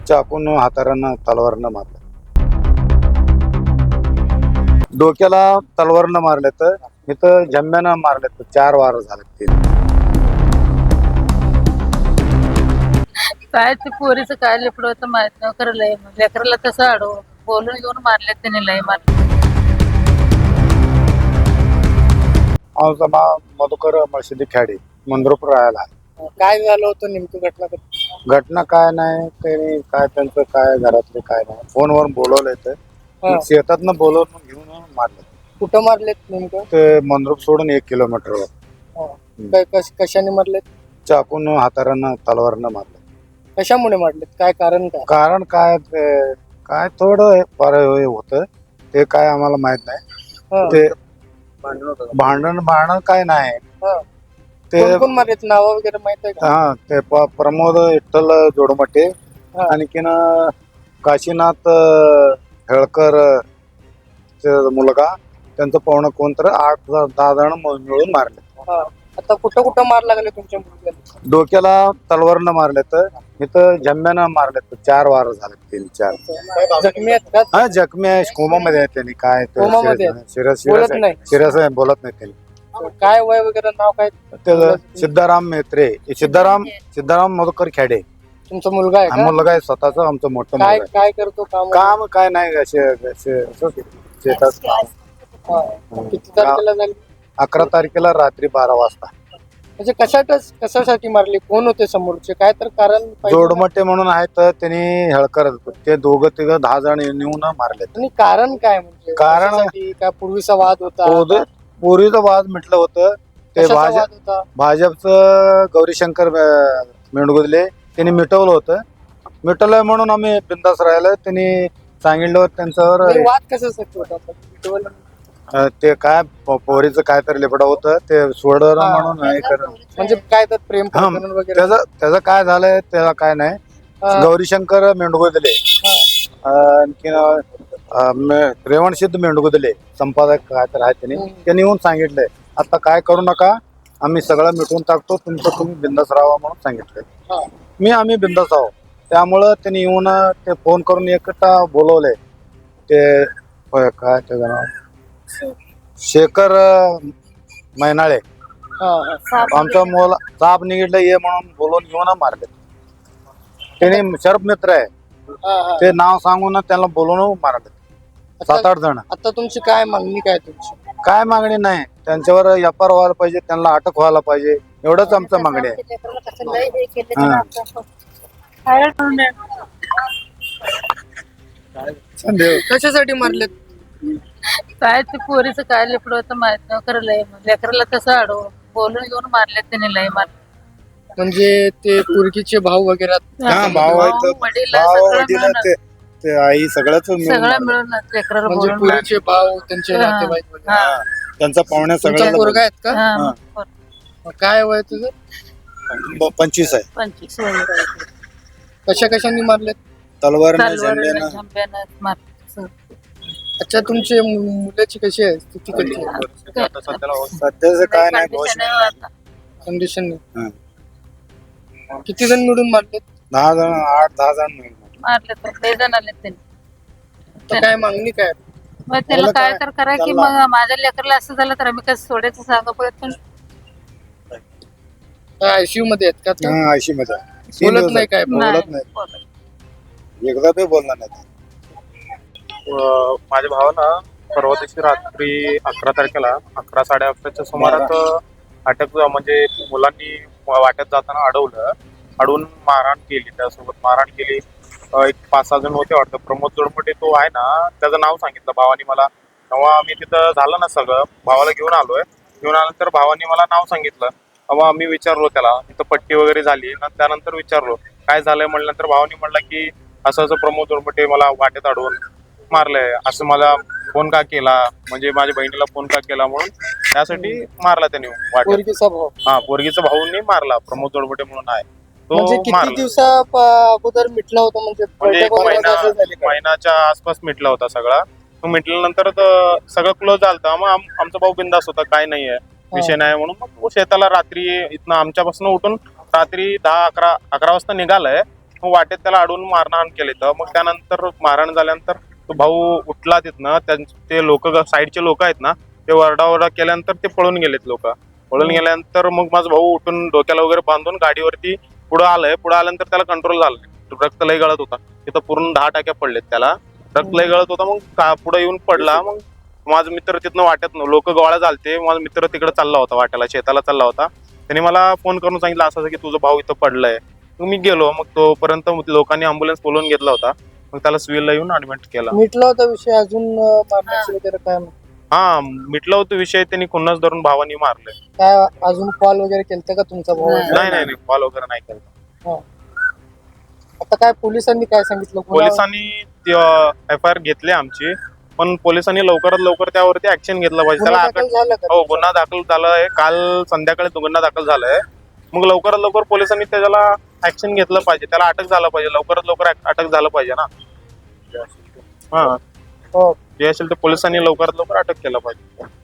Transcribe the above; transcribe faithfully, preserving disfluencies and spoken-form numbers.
चाकून हातारानं तलवारनं मारलं. डोक्याला तलवारनं मारले तर इथं जम्म्यानं मारले तर चार वार झाले. तीन काय ते पोरीचं काय लिपड होतं माहित नाही खरं लय लेकराला तसं अडव बोलून घेऊन मारले त्यांनी लय मारले. आमचा मा मधुकर मशिदी खेडी मंद्रपूर राहायला. काय झालं होतं नेमकं घटना कधी? घटना काय नाही त्यांनी काय त्यांचं काय घरातले काय नाही फोनवर बोलवलंय हा. तर शेतातनं बोलवून घेऊन मारलं. कुठं मारलेत नेमकं? ते मंद्रुप सोडून एक किलोमीटरवर हा. काय कश- कशाने मारलेत? चाकून हातारानं तलवारनं मारलं. कशामुळे मारलेत? काय कारण काय? कारण काय ते काय थोडं फार हे होतं ते काय आम्हाला माहित नाही. हा. ते भांडण भांडण काय नाही हा. ते कोण कोण मारलेत? नाव वगैरे माहित आहे का? हा ते प- प्रमोद विठ्ठल जोडमटे हा. आणखीन काशीनाथ अं, हेळकर अं, चे मुलगा त्यांचं पाहुणं कोण तर आठ दहा जण मिळून मारले. हा. आता कुठं कुठं मार लागले तुमच्या मुलग्याला? डोक्याला तलवारनं मारले तर इथं जम्म्यानं मारले तर चार वार झाले. तीन चार जखमी आहेत का? हा जखमी आहे कोमामध्ये आहे त्यांनी काय कोमामध्ये आहेत? सिरस बोलत नाही? सिरस आहे बोलत नाही त्यांनी. काय वय वगैरे नाव काय? त्याचं सिद्धाराम मेत्रे सिद्धाराम सिद्धाराम मधुकर खेडे तुमचा मुलगा आहे हा का? मुलगा आहे स्वतःच आमचं मोठं काय मुलगा आहे. काय करतो काम? काम काय नाही असे असे- असंच शेतात काम. हा. किती तारखेला झाली? अकरा तारखेला रात्री बारा वाजता म्हणजे कशातच कशासाठी मारली? कोण होते समोरचे? काय तर कारण पाहिजे ना? जोडमटे म्हणून आहेत तर त्यांनी हेळकर ते दोघं तिघ दहा जण नेऊन मारले. आणि कारण काय म्हणजे? कारण- कशासाठी? काय पूर्वीचा वाद होता? पूर्वीचं वाद म्हटलं होतं ते कशाचा भाजप वाद होता? भाजपचं गौरीशंकर अं, मेंढगुदले त्यांनी मिटवलं होतं. मिटवलंय म्हणून आम्ही बिंदास राहिलं. त्यांनी सांगितलं होतं त्यांच्यावर नाही, वाद कशासाठी होता? मिटवलं? अं, ते काय प- पोरीचं काय तर लिपडा होतं ते सोडलं हा. म्हणून हे करणं. म्हणजे काय तर प्रेम हा, प्रकरण वगैरे? त्याचं त्याचं काय झालंय त्याला काय नाही. हा. गौरीशंकर मेंढगुदले आणखीन अं, मे- रेवणसिद्ध मेंढगुदले संपादक काय तर आहे त्यांनी हम्म. त्यांनी येऊन सांगितलंय आता काय करू नका आम्ही सगळं मिटवून टाकतो तुमचं तुम्ही बिंदास राहा म्हणून सांगितलंय. हा. मी आम्ही बिंदास आहो त्यामुळं त्यांनी येऊन ते फोन करून एकटा बोलवले ते होय, काय त्याचं नाव शेखर अं, मैनाळे हा, हा. आमच्या मुला साप निघितलं ये म्हणून बोलवून घेऊन मारले. त्यांनी शरप मित्र आहे हा, हा. ते नाव सांगून त्याला बोलवून मारले सात आठ जण. आता तुमची काय मागणी काय तुमची? काय मागणी नाही त्यांच्यावर एफ आर व्हायला पाहिजे त्यांना अटक व्हायला पाहिजे एवढंच आमचं मागणी आहे. हा. कशासाठी मारलेत? काय ते पोरीचं काय लिपड होतं माहित नाही खरं लय लेकराला तसं अडव बोलून घेऊन मारले त्यांनी लय मारले. म्हणजे ते पुरकीचे भाऊ वगैरे हा, भाऊ आहे तर- वडील भाऊ, सगळं वडील, मिळून ते ते आई सगळंच मिळून सगळं मारलं. मिळून लेकराला म्हणजे बोलून मारले. पुरीचे भाऊ त्यांचे हा. नातेवाईक वगैरे. हा. हा, त्यांचा पाहुण्या तुमचा सगळ्याला पोरगा आहेत का? हा, हा. पोर- काय वय तुझं? ब- पंचवीस आहे. पंचवीस वय. कशा कशाने मारलेत? तलवारनं तलवारीनं, झेंड्यानं झंब्यानं मारले. अच्छा, तुमचे मु- मुलाची कशी आहे स्थिती? कशी सध्याचं काय नाही दोष कंडिशन नाही. आहे आता. कंडिशन हा. किती जण मिळून मारलेत? दहा जण आठ दहा जण मिळून मारले. मारले तर लय जण आले त्यांनी. तर काय मागणी काय? मग त्याला त्याला काय काय- तर करा की त्याला- मग माझ्या लेकरला असं झालं तर आम्ही कसं सोडायचं सांगा परत. पण आयसीयू मध्ये आहेत का ते? हा, ऐंशी मध्ये आहे. तीन बोलत दिवस नाही काय? बोलत नाही, नाही. बोलत. एकदा बी बोलणार नाही. अ, माझ्या भावानं परवा दिवशी रात्री अकरा तारखेला अकरा साडे अकराच्या सुमारास अटक म्हणजे मुलांनी वाट्यात जाताना अडवलं अडवून मारहाण केली त्यासोबत मारहाण केली. अ, एक पाच सहा जण होते वाटतं. प्रमोद जोडमटे तो आहे ना त्याचं नाव सांगितलं भावानी मला. तेव्हा आम्ही तिथं झालं ना सगळं भावाला घेऊन आलोय. घेऊन आल्यानंतर भावानी मला नाव सांगितलं. तेव्हा आम्ही विचारलो त्याला तिथं पट्टी वगैरे झाली ना त्यानंतर विचारलो काय झालंय म्हणल्यानंतर भावानी म्हणलं की असं असं प्रमोद जोडमटे मला वाट्यात अडवून मारलंय असं मला फोन का केला म्हणजे माझ्या बहिणीला फोन का केला म्हणून त्यासाठी मारला त्याने वाट्यात. पोरकीचा भाऊ. हा पोरगीचा भाऊंनी मारला प्रमोद जोडमटे म्हणून आहे म्हणजे तो किती मारला. दिवसा प- अगोदर मिटला होता? म्हणजे म्हणजे एक बैठक वगैरे महिना असं झाली का? महिन्याच्या आसपास मिटला होता सगळा. तो मिटल्यानंतर तर सगळं क्लोज झालं. मग आम- आमचा भाऊ बिंदास होता काय नाहीये विषय नाही म्हणून मग तो शेताला रात्री इथनं आमच्यापासून उठून रात्री दहा अकरा अकरा वाजता निघालाय. मग वाटेत त्याला अडवून मारहाण केली. तर मग त्यानंतर मारहाण झाल्यानंतर तो भाऊ उठला तिथनं. त्यां ते लोक साईडचे लोक आहेत ना, ते वरडावरडा केल्यानंतर ते पळून गेलेत लोक. पळून गेल्यानंतर मग माझा भाऊ उठून डोक्याला वगैरे बांधून गाडीवरती पुढे आलंय. पुढे आल्यानंतर त्याला कंट्रोल झालं, रक्त लय गळत होता. तिथं पूर्ण दहा टाक्या पडलेत त्याला, रक्त लय गळत होता. मग पुढे येऊन पडला. मग माझा मित्र तिथनं वाट्यात लोक गोळा झालते. माझा मित्र तिकडे चालला होता, वाट्याला शेताला चालला होता. त्याने मला फोन करून सांगितलं असं असं की तुझा भाऊ इथं पडलाय. मग मी गेलो. मग तोपर्यंत लोकांनी अँब्युलन्स बोलवून घेतला होता. मग त्याला सिव्हिलला येऊन ऍडमिट केला. मिटला होता विषय अजून अं, मारण्याचं वगैरे काय हा मिटला होता विषय. त्यांनी खुन्नस धरून भावानी मारले. काय अजून कॉल वगैरे केलता का तुमचा भाऊ? नाही. नाही नाही नाही कॉल वगैरे नाही केला. आता काय पोलिसांनी काय सांगितलं? गुन्हा- पोलिसांनी एफ आय आर घेतली आमची, पण पोलिसांनी लवकरात लवकर त्यावरती ऍक्शन घेतलं पाहिजे. गुन्हा त्याला दाखल अटक- झाला का हो गुन्हा दाखल झालाय. काल संध्याकाळी तो गुन्हा दाखल झालाय. मग लवकरात लवकर पोलिसांनी त्याला ऍक्शन घेतलं पाहिजे. त्याला अटक झालं पाहिजे. लवकरात लवकर अटक झालं पाहिजे ना. हा हो. जे असेल ते पोलिसांनी लवकरात लवकर अटक केलं पाहिजे.